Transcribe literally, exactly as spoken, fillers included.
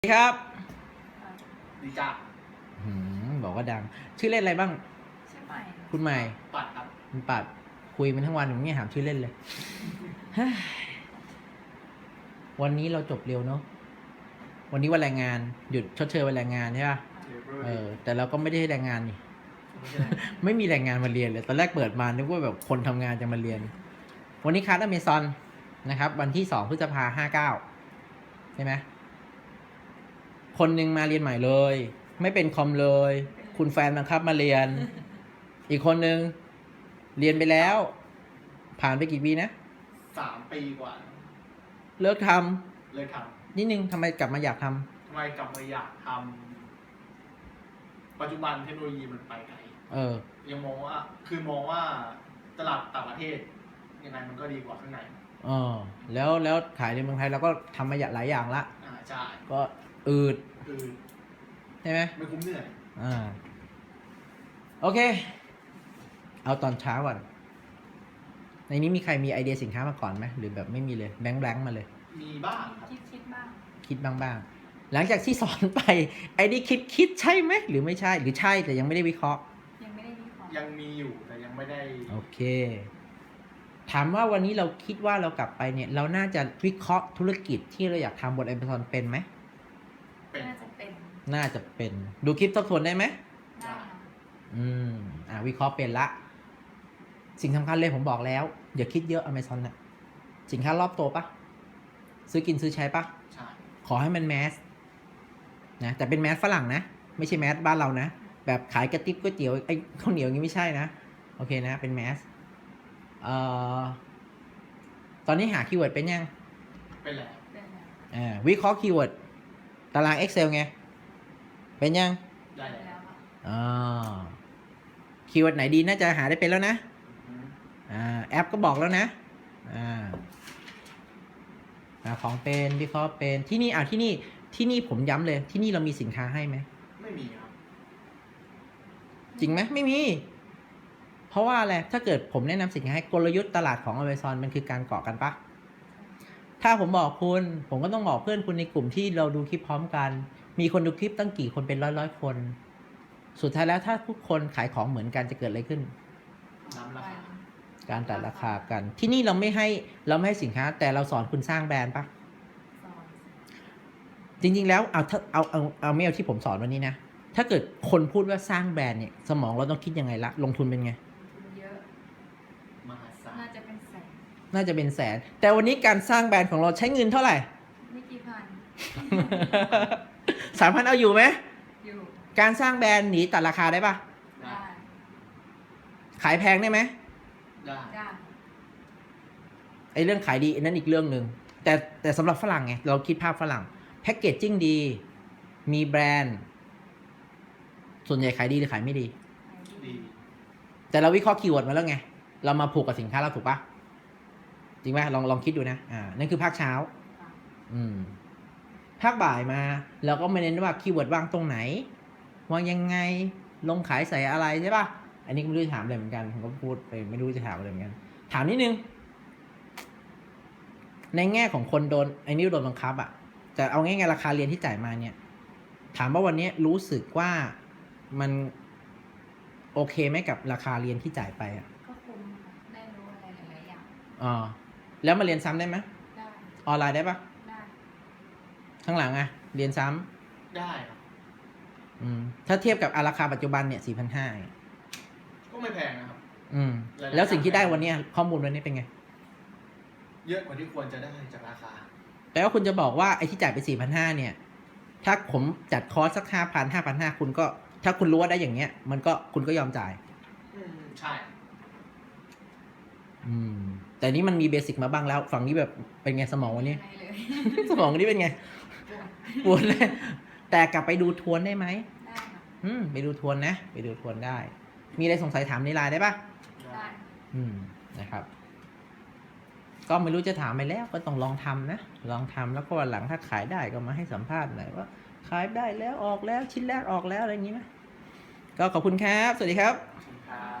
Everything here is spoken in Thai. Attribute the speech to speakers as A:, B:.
A: สวัสดีครับ
B: ดีจ้า
A: หืมบอกว่าดัง ชื่อเล่นอะไรบ้าง
C: ชื่อใหม่
A: คุณใหม่
B: ปัดครับ
A: คุณปัดคุยมันทั้งวันผมไม่ถามชื่อเล่นเลย วันนี้เราจบเร็วเนาะวันนี้วันแรงงานหยุดชดเชยวันแรงงานใช่ป่ะเออแต่เราก็ไม่ได้ให้แรงงานนี่ ไม่มีแรงงานมาเรียนเลยตอนแรกเปิดมานึกว่าแบบคนทำงานจะมาเรียน วันนี้คลาสอเมซอนนะครับ วันที่สองพฤษภาห้าเก้าใช่ไหมคนหนึ่งมาเรียนใหม่เลย ไม่เป็นคอมเลย คุณแฟนบังคับมาเรียน อีกคนหนึ่งเรียนไปแล้ว ผ่านไปกี่ปีนะ
B: สามปีกว่า
A: เลิกท
B: ำเลยท
A: ำนิดนึงทำไมกลับมาอยากท
B: ำทำไมกลับมาอยากทำปัจจุบันเทคโนโลยีมันไปไกล
A: เออ
B: ยังมองว่าคือมองว่าตลาดต่างประเทศยังไงมันก็ดีกว่าข้างใน
A: เออแล้วแล้วขายในเมืองไทยเราก็ทำมาหลายอย่างละ
B: อ่าใช่
A: ก็อืด
B: อืด
A: ใช่ไหม
B: ไม่คุ้มเหนื่อย
A: อ่าโอเค เอาตอนเช้าก่อนในนี้มีใครมีไอเดียสินค้ามาก่อนไหมหรือแบบไม่มีเลยแบงค์แบงค์มาเลย
B: มีบ้างครับ
C: คิดคิดบ้าง
A: คิดบ้างบ้างหลังจากที่สอนไปไอ้นี่คิดคิดใช่ไหมหรือไม่ใช่หรือใช่แต่ยังไม่ได้วิเคราะห์
C: ยังไม่ได้วิเคราะห์
B: ยังมีอยู่แต่ยังไม่ได้
A: โอเคถามว่าวันนี้เราคิดว่าเรากลับไปเนี่ยเราน่าจะวิเคราะห์ธุรกิจที่เราอยากทำบน Amazon เป็นไหม
B: เป็น
C: น่าจะเป็น
A: น่าจะเป็นดูคลิปทบทวนได้ไหม
C: ได้
A: อืมอ่าวิเคราะห์เป็นละสิ่งสำคัญเลยผมบอกแล้วอย่าคิดเยอะ Amazon น่ะสินค้ารอบตัวปะซื้อกินซื้อใช้ปะ
B: ใช่
A: ขอให้มันแมสนะแต่เป็นแมสฝรั่งนะไม่ใช่แมสบ้านเรานะแบบขายกระติบก๋วยเตี๋ยวไอ้ข้าวเหนียวอย่างนี้ไม่ใช่นะโอเคนะเป็นแมสเอ่อตอนนี้หาคีย์เวิร์ดเป็นยัง
B: เป็นแล้ว
C: เป็นแล้ว
A: อ่าวิเคราะห์คีย์เวิร์ดตาราง Excel ไงเป็นยัง
B: ได้
C: เป็นแล้วค่ะ
A: อ่าคีย์เวิร์ดไหนดีน่าจะหาได้เป็นแล้วนะอ่าแอปก็บอกแล้วนะอ่าของเป็นวิเคราะห์เป็นที่นี่อ่าที่นี่ที่นี่ผมย้ำเลยที่นี่เรามีสินค้าให้ไหม
B: ไม่มีครับ
A: จริงไหมไม่มีเพราะว่าอะไรถ้าเกิดผมแนะนำสินค้าให้กลยุทธ์ตลาดของ Amazon มันคือการเกาะกันปะถ้าผมบอกคุณผมก็ต้องบอกเพื่อนคุณในกลุ่มที่เราดูคลิปพร้อมกันมีคนดูคลิปตั้งกี่คนเป็นร้อยร้อยคนสุดท้ายแล้วถ้าทุกคนขายของเหมือนกันจะเกิดอะไรขึ้น
B: น้ำราคา
A: การตัดราคากันที่นี่เราไม่ให้เราไม่ให้สินค้าแต่เราสอนคุณสร้างแบรนด์ปะจริงๆแล้วเอาถ้าเอาเอาเอาไม่เอาที่ผมสอนวันนี้นะถ้าเกิดคนพูดว่าสร้างแบรนด์เนี่ยสมองเราต้องคิดยังไงละลงทุนเป็นไง
C: เยอะ
B: มหาศาล
C: น่าจะเป็นแสน
A: น่าจะเป็นแสนแต่วันนี้การสร้างแบรนด์ของเราใช้เงินเท่าไหร่
C: ไม่กี่พัน
A: สามพันเอาอยู่ไหม
C: อยู่
A: การสร้างแบรนด์หนีตัดราคาได้ปะ
C: ได้
A: ขายแพงได้ไหม
B: ได้
C: ได้
A: ไอเรื่องขายดีนั่นอีกเรื่องหนึ่งแต่แต่สำหรับฝรั่งไงเราคิดภาพฝรั่งแพ็กเกจจิ้งดีมีแบรนด์ส่วนใหญ่ขายดีหรือขายไม่ดี
B: ดี
A: แต่เราวิเคราะห์คีย์เวิร์ดมาแล้วไงเรามาผูกกับสินค้าเราถูกปะจริงไหมลองลองคิดดูนะอ่านั่นคือภาคเช้าอืมภาคบ่ายมาเราก็ไม่เน้นว่าคีย์เวิร์ดวางตรงไหนวางยังไงลงขายใส่อะไรใช่ปะอันนี้ก็ไม่รู้จะถามอะไรเหมือนกันผมก็พูดไปไม่รู้จะถามอะไรเหมือนกันถามนิดนึงในแง่ของคนโดนไอ้นี่โดนบังคับอ่ะแต่เอาง่ายๆราคาเรียนที่จ่ายมาเนี่ยถามว่าวันนี้รู้สึกว่ามันโอเคไหมกับราคาเรียนที่จ่ายไปอ่ะ
C: ก็คุ้มได้รู้อะไรหลายๆอย่าง
A: อ๋อแล้วมาเรียนซ้ำได้ไหม
C: ได้
A: ออนไลน์ได้ปะ
C: ได้
A: ข้างหลังอ่ะเรียนซ้ำ
B: ได้ครับ
A: อืมถ้าเทียบกับราคาปัจจุบันเนี่ยสี่พันห้า
B: ก็ไม่แพงนะครับ
A: อืมแล้วสิ่งที่ได้วันนี้ข้อมูลวันนี้เป็นไง
B: เยอะกว่าที่ควรจะได้จากราคา
A: แปลว่าคุณจะบอกว่าไอ้ที่จ่ายไปสี่พันห้าเนี่ยถ้าผมจัดคอร์สสักห้าพันห้าพันห้าคุณก็ถ้าคุณรู้ว่าได้อย่างเงี้ยมันก็คุณก็ยอมจ่าย
B: อืมใช่
A: อืมแต่นี้มันมีเบสิกมาบ้างแล้วฝั่งนี้แบบเป็นไงสมองวันนี้
C: ไม่เลย
A: สมองวันนี้เป็นไงปวดเลยแต่กลับไปดูทวนได้ไหม
C: ได้ค่ะ
A: อืมไปดูทวนนะไปดูทวนได้มีอะไรสงสัยถามในไลน์ได้ปะ
C: ได้
A: อืมนะครับก็ไม่รู้จะถามไปแล้วก็ต้องลองทำนะลองทำแล้วก็วันหลังถ้าขายได้ก็มาให้สัมภาษณ์หน่อยว่าขายได้แล้วออกแล้วชิ้นแรกออกแล้วอะไรอย่างนี้นะก็ขอบคุณครับสวัสดีครับ